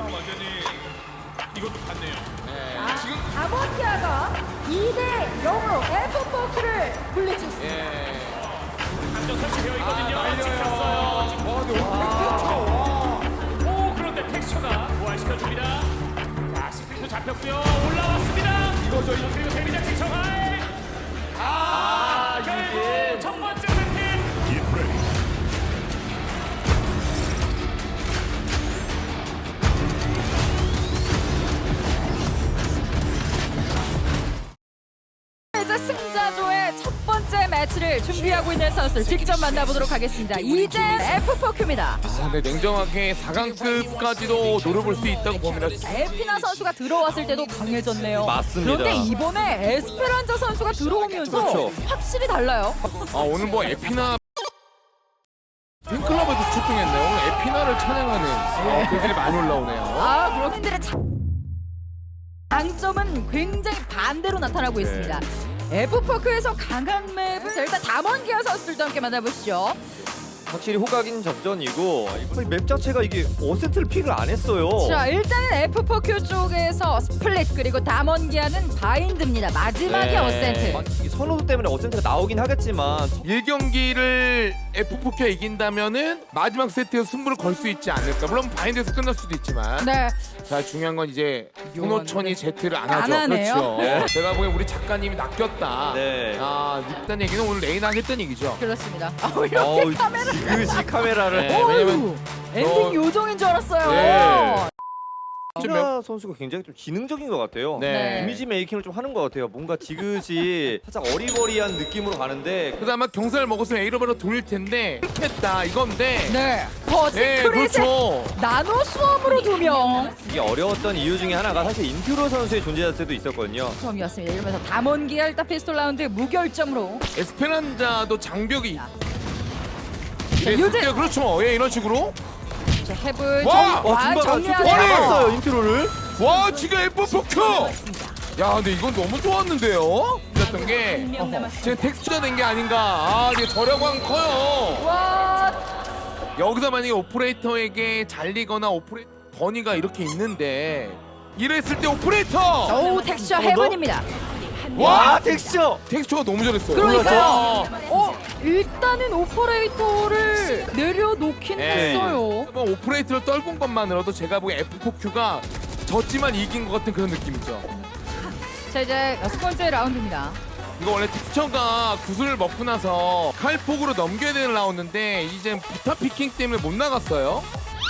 완전히 이것도 봤네요. 네. 지금 아모티아가 2대 0으로 F4Q를 물리쳤습니다. 예. 안전 설치되어 있거든요. 날려요. 찍혔어요. 근데 와. 오, 그런데 텍스처가 부활시켜줍니다. 자, 스크린도 잡혔고요. 올라왔습니다. 이거죠. 그리고 데뷔작 텍스처가 결국 첫 번째 세트. 이제 승자조의 첫 번째 매치를 준비하고 있는 선수들 직접 만나보도록 하겠습니다. 이제 F4Q입니다. 근데 냉정하게 4강급까지도 노려볼 수 있다고 봅니다. 에피나 선수가 들어왔을 때도 강해졌네요. 맞습니다. 그런데 이번에 에스페란자 선수가 들어오면서 그렇죠. 확실히 달라요. 오늘 뭐 에피나 팬클럽에도 출동했네요. 오늘 에피나를 찬양하는 글들이 많이 올라오네요. 그렇긴들의 장점은 굉장히 반대로 나타나고 있습니다. F4Q에서 강한 맵은 자, 일단 담원기아 선수들도 함께 만나보시죠. 확실히 호각인 접전이고 거의 맵 자체가 이게 어센트를 픽을 안 했어요. 자, 일단은 F4Q 쪽에서 스플릿 그리고 담원기아는 바인드입니다. 마지막에 네. 어센트. 이 선호도 때문에 어센트가 나오긴 하겠지만 1경기를 F4Q가 이긴다면은 마지막 세트에서 승부를 걸 수 있지 않을까. 물론 바인드에서 끝날 수도 있지만. 네. 자, 중요한 건 이제 손호천이 제트를 안 안 하죠. 하네요. 그렇죠. 네. 제가 보기엔 우리 작가님이 낚였다. 네. 일단 얘기는 오늘 레이나 하겠다는 얘기죠. 그렇습니다. 이렇게 카메라. 지그시 카메라를 네. 왜냐면 어휴, 엔딩 요정인 줄 알았어요. 네. 휘나 선수가 굉장히 좀 지능적인 것 같아요. 네. 이미지 메이킹을 좀 하는 것 같아요. 뭔가 지그시 살짝 어리버리한 느낌으로 가는데 그래서 아마 경사를 먹었으면 A로바로 돌릴 텐데 했다 이건데. 네. 더 네, 시크릿의 그렇죠. 나노 수험으로 2명. 이게 어려웠던 이유 중에 하나가 사실 인퓨로 선수의 존재 자체도 있었거든요. 수험이었습니다. 이러면서 담원기아 일단 피스톨 라운드 무결점으로. 에스페란자도 장벽이 요즘- 이랬을 때 그렇죠. 예, 이런 식으로. 자, 헤븐 와! 중바가 정리하고. 아니! 잡았어요 인퓨로를. 와, 지금 F4Q. 야, 근데 이건 너무 좋았는데요. 그랬던 게 지금 텍스처가 된 게 아닌가. 이게 저렴한 커요. 와, 여기서 만약에 오퍼레이터에게 잘리거나 버니가 이렇게 있는데 이랬을 때 오퍼레이터. 오 텍스처 한 번 더? 헤븐입니다. 와 텍스처. 텍스처가 너무 잘했어요. 그러니까요. 와. 일단은 오퍼레이터를 내려놓긴 네. 했어요. 뭐 오퍼레이터를 떨군 것만으로도 제가 보기엔 F4Q가 졌지만 이긴 것 같은 그런 느낌이죠. 자, 이제 6번째 라운드입니다. 이거 원래 텍스처가 구슬을 먹고 나서 칼폭으로 넘겨야 되는 라운드인데 이제 부타 피킹 때문에 못 나갔어요.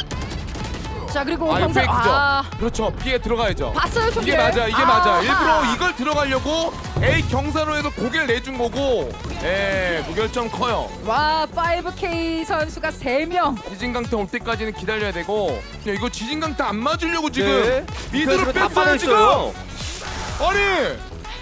자, 그리고 이거 경사 페이크죠. 그렇죠. B에 들어가야죠. 봤어요, 총기. 이게 맞아, 이게 맞아. 아하. 일부러 이걸 들어가려고 A 경사로 해서 고개를 내준 거고, 무결점 커요. 와, 5K 선수가 3명. 지진강타 올 때까지는 기다려야 되고, 야, 이거 지진강타 안 맞으려고 지금 네. 미드로 다 뺐어요 지금. 빠져있어요. 아니,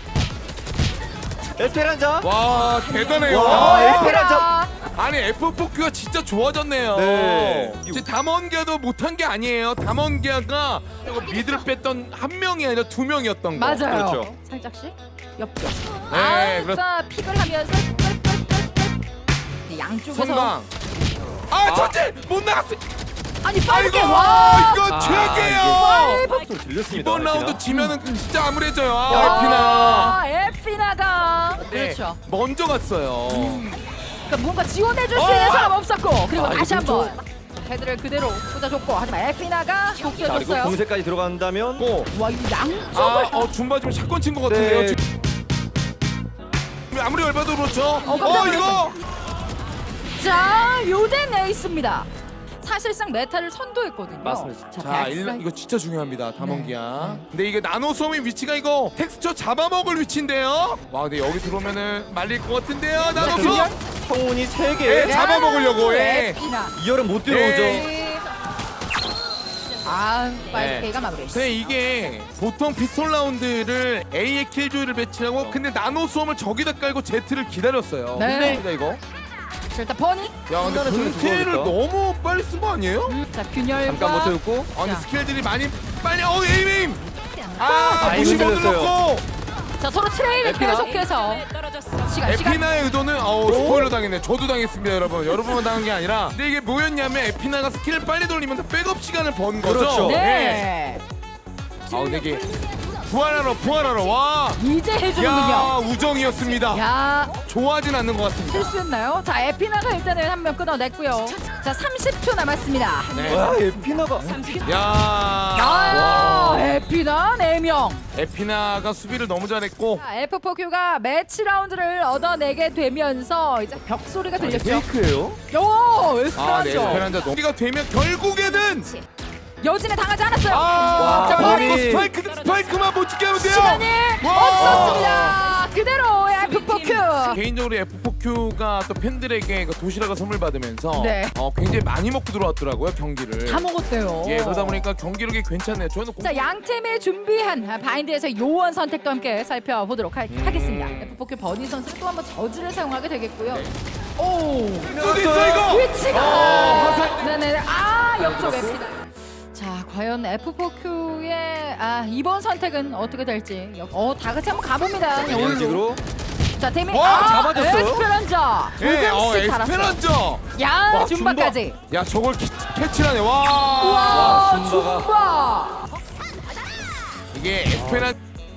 에스페란자. 와 대단해요. 와, 에스페란자. 아니 F4Q가 진짜 좋아졌네요. 네. 지금 담원기아도 못한 게 아니에요. 담원기아가 미드를 뺐던 한 명이 아니라 2명이었던 거. 맞아요. 그렇죠. 살짝씩 옆쪽. 네, 자, 픽을 하면서 양쪽에서 성강. 전체 못 나갔어. 아니 아이고, 5K 와. 이거 최악이에요. 좀 들렸습니다. 이번 라운드 에피나. 지면은 진짜 암울해져요. 와, 에피나. 에피나가 네, 그렇죠. 먼저 갔어요. 그러니까 뭔가 지원해줄 수 있는 사람 없었고 그리고 다시 이거 한번 헤드를 그대로 꽂아줬고 하지만 에피나가 자 그리고 복수해줬어요. 공세까지 들어간다면 고. 와, 이 양쪽을 줌바 지금 샷건 친 것 같은데요. 네. 지금. 아무리 열받아도 그렇죠. 깜짝 이거. 자, 요덴 에이스입니다. 사실상 메타를 선도했거든요. 맞습니다. 자, 자, 백사이드. 이거 진짜 중요합니다. 담원기아. 네. 근데 이게 나노솜의 위치가 이거 텍스처 잡아먹을 위치인데요. 와, 근데 여기 들어오면은 말릴 것 같은데요. 나노솜. 성운이 3개. 예, 잡아먹으려고, 예. 에피나. 2열은 못 들어오죠. 예. 아, 네. 5K가 마무리. 근데 이게 보통 피스톨 라운드를 A에 킬조이를 배치하고 근데 나노솜을 저기다 깔고 Z를 기다렸어요. 네. 근데 이거. 자, 일단 버니. 야, 근데 순간에 좀 분쇄를 두꺼우니까. 너무 빨리 쓴 거 아니에요? 자, 균열과 잠깐 버텨줬고. 근데 자. 스킬들이 많이 빨리 에임! 아, 무시 이거 모드 들렸어요. 넣고 자, 서로 트레이를 에피나. 계속해서 시간. 에피나의 의도는 스포일러 당했네. 저도 당했습니다, 여러분. 여러분만 당한 게 아니라. 근데 이게 뭐였냐면 에피나가 스킬을 빨리 돌리면서 백업 시간을 번 거죠. 그렇죠. 네. 근데 이게 부활하러 와. 이제 야, 해주는군요. 우정이었습니다. 야, 좋아하진 않는 것 같습니다. 실수했나요? 자, 에피나가 일단은 한 명 끊어냈고요. 자, 30초 남았습니다. 네. 와 에피나가 야, 아, 에피나 4명. 에피나가 수비를 너무 잘했고. 자, F4Q가 매치 라운드를 얻어내게 되면서 이제 벽 소리가 들렸죠. 페이크예요? 요, 네, 에스페란자. 에스페란자 넘기가 되면 결국에는 여진에 당하지 않았어요. 자, 아니. 스파이크만 못 지게 하면 돼요. 시간이 와. 없었습니다. 그대로 F4Q. 개인적으로 F4Q가 또 팬들에게 그 도시락을 선물 받으면서 네. 굉장히 많이 먹고 들어왔더라고요, 경기를. 다 먹었대요. 예, 그러다 보니까 경기력이 괜찮네요. 저는 자, 양 팀이 준비한 바인드에서 요원 선택도 함께 살펴보도록 하겠습니다. F4Q 버니 선수 또 한번 저지를 사용하게 되겠고요. 오, 수도 있어 이거. 위치가 네네. 옆쪽 F다. 자, 과연 F4Q의 이번 선택은 어떻게 될지 다 같이 한번 가봅니다. 이런 식으로 자, 데미 와, 잡아줬어요? 에스페란자 예, 조금씩 달았어요. 에스페란자. 야, 와, 줌바까지. 야, 저걸 캐치하네. 와. 우와, 줌바가. 줌바. 이게 에스페란자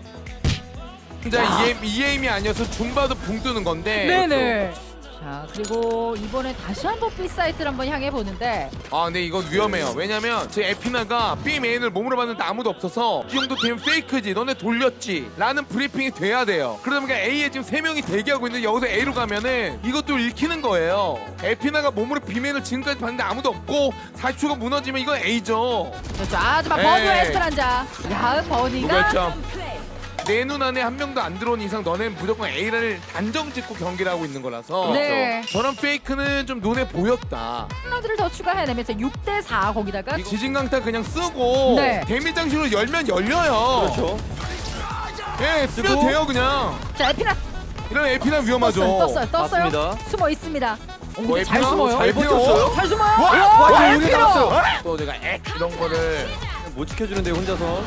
EA임이 아니어서 줌바도 붕 뜨는 건데. 네네. 자, 그리고 이번에 다시 한번 B 사이트를 한번 향해 보는데 근데 이건 위험해요. 왜냐면 제 에피나가 B 메인을 몸으로 봤는데 아무도 없어서 이 정도 되면 페이크지, 너네 돌렸지 라는 브리핑이 돼야 돼요. 그러다 보니까 A에 지금 3명이 대기하고 있는데 여기서 A로 가면은 이것도 읽히는 거예요. 에피나가 몸으로 B 메인을 지금까지 봤는데 아무도 없고 40초가 무너지면 이건 A죠. 그렇죠. 하지만 버니와 에이. 에스페란자. 야, 버니가 무결점. 내 눈 안에 한 명도 안 들어온 이상 너는 무조건 A를 단정 짓고 경기를 하고 있는 거라서 네. 저런 페이크는 좀 눈에 보였다. 하나들을 더 추가해내면서 6대4 거기다가 이거 지진강타 그냥 쓰고 네. 데미 장식으로 열면 열려요. 그렇죠. 예, 쓰면 쓰고. 돼요 그냥. 자, 에피나 이런 에피나 위험하죠. 떴어요. 맞습니다. 숨어 있습니다. 뭐 잘 에피나? 숨어요. 잘 버텼어요? 잘 숨어요. 와, 에피나. 여기 나왔어요. 또 제가 이런 거를 못 지켜주는데요 혼자서.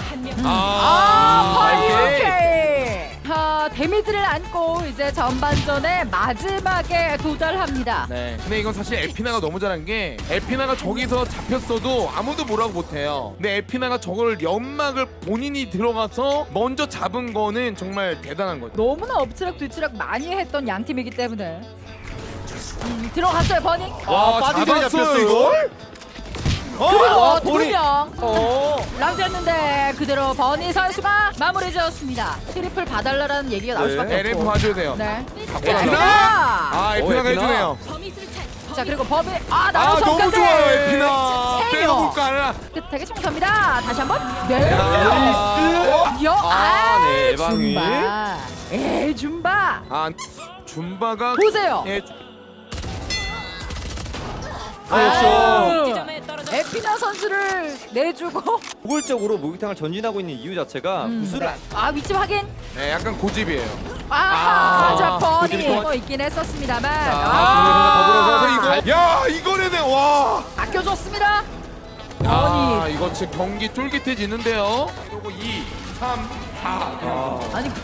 오케이. 데미지를 안고 이제 전반전의 마지막에 도달합니다. 네. 근데 이건 사실 에피나가 너무 잘한 게 에피나가 저기서 잡혔어도 아무도 뭐라고 못해요. 근데 에피나가 저걸 연막을 본인이 들어가서 먼저 잡은 거는 정말 대단한 거죠. 너무나 엎치락뒤치락 많이 했던 양 팀이기 때문에 들어갔어요 버니. 와 빠지게 잡혔어 이걸? 그리고 버니. 2명 라운드였는데 그대로 버니 선수가 마무리 지었습니다. 트리플 봐달라는 얘기가 나올 네. 수밖에 LF 없고. 봐줘야 돼요. 네. 에피나! 에피나. 에피나가 에피나. 해주네요. 자, 그리고 범위 나도 너무 좋아요 에피나. 세 빼놓을 명. 거 아니라. 끝에게 총섭니다. 다시 한번. 네. 네, 예방이. 줌바. 줌바. 줌바가 보세요. 예, 그렇죠. 에피나 선수를 내주고 우골적으로 목욕탕을 전진하고 있는 이유 자체가 구슬을 위치 확인. 네, 약간 고집이에요. 자, 버니 고집이 더- 있긴 했었습니다만 더불어서 이거 이거네네. 와. 아껴줬습니다. 이거 진짜 경기 쫄깃해지는데요. 그리고 2, 3, 4. 아니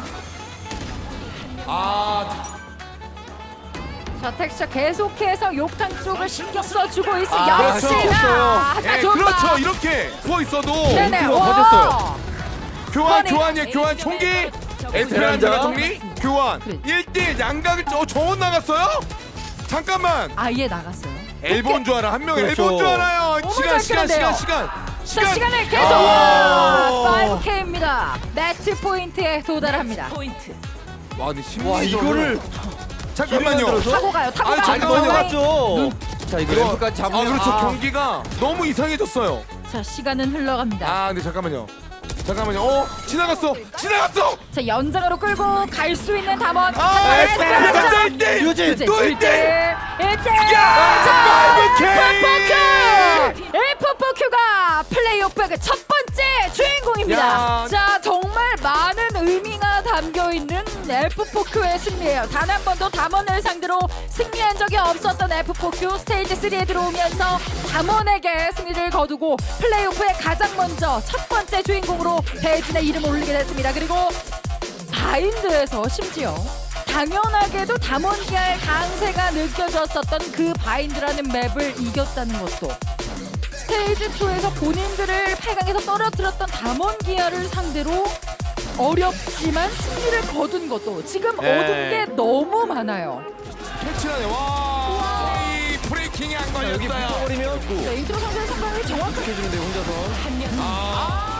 아, 자, 텍스처 계속해서 욕탕 쪽을 신경 써주고 있어. 그렇죠. 역시나. 예, 그렇죠. 이렇게 부어 있어도 네네. 와, 와. 터졌어요. 교환이야. 교환 총기. 에스페란자가 정리. 교환. 그래. 1대1 양각을 정원 나갔어요? 잠깐만. 아예 나갔어요. 엘본 줄 알아. 한 명 그렇죠. 엘본 줄 알아요. 너무 시간. 자, 시간을 계속. 아. 5K입니다. 매치 포인트에 도달합니다. 와, 근데 와 심리적으로 이거를 잠깐만요. 들어서? 타고 가요. 타고 아니, 가요. 잠깐만요. 넘어갔죠. 자 이거 이거- 램프까지 잡으면 그렇죠. 경기가 너무 이상해졌어요. 자, 시간은 흘러갑니다. 근데 잠깐만요. 지나갔어. 자, 연장으로 끌고 갈 수 있는 담원. 에스페란자 1대1. 유진 또 1대1. 1대1. 야, 5K. F4Q가 플레이오프의 그 첫 번째 주인공입니다. 야. 자, 정말 많은 의미가 담겨있는 F4Q의 승리예요. 단 한 번도 담원을 상대로 승리한 적이 없었던 F4Q 스테이지 3에 들어오면서 담원에게 승리를 거두고 플레이오프에 가장 먼저 첫 번째 주인공으로 대진의 이름을 올리게 됐습니다. 그리고 바인드에서 심지어 당연하게도 담원기아의 강세가 느껴졌었던 그 바인드라는 맵을 이겼다는 것도 스테이지 2에서 본인들을 8강에서 떨어뜨렸던 담원기아를 상대로 어렵지만 승리를 거둔 것도 지금 네. 얻은 게 너무 많아요. 캐치라네. 와. 이 브레이킹이 안 여기 걸렸어요. 붙어버리면 또 네, 이트로 선수의 상황이 정확하게 해주는데 혼자서. 아.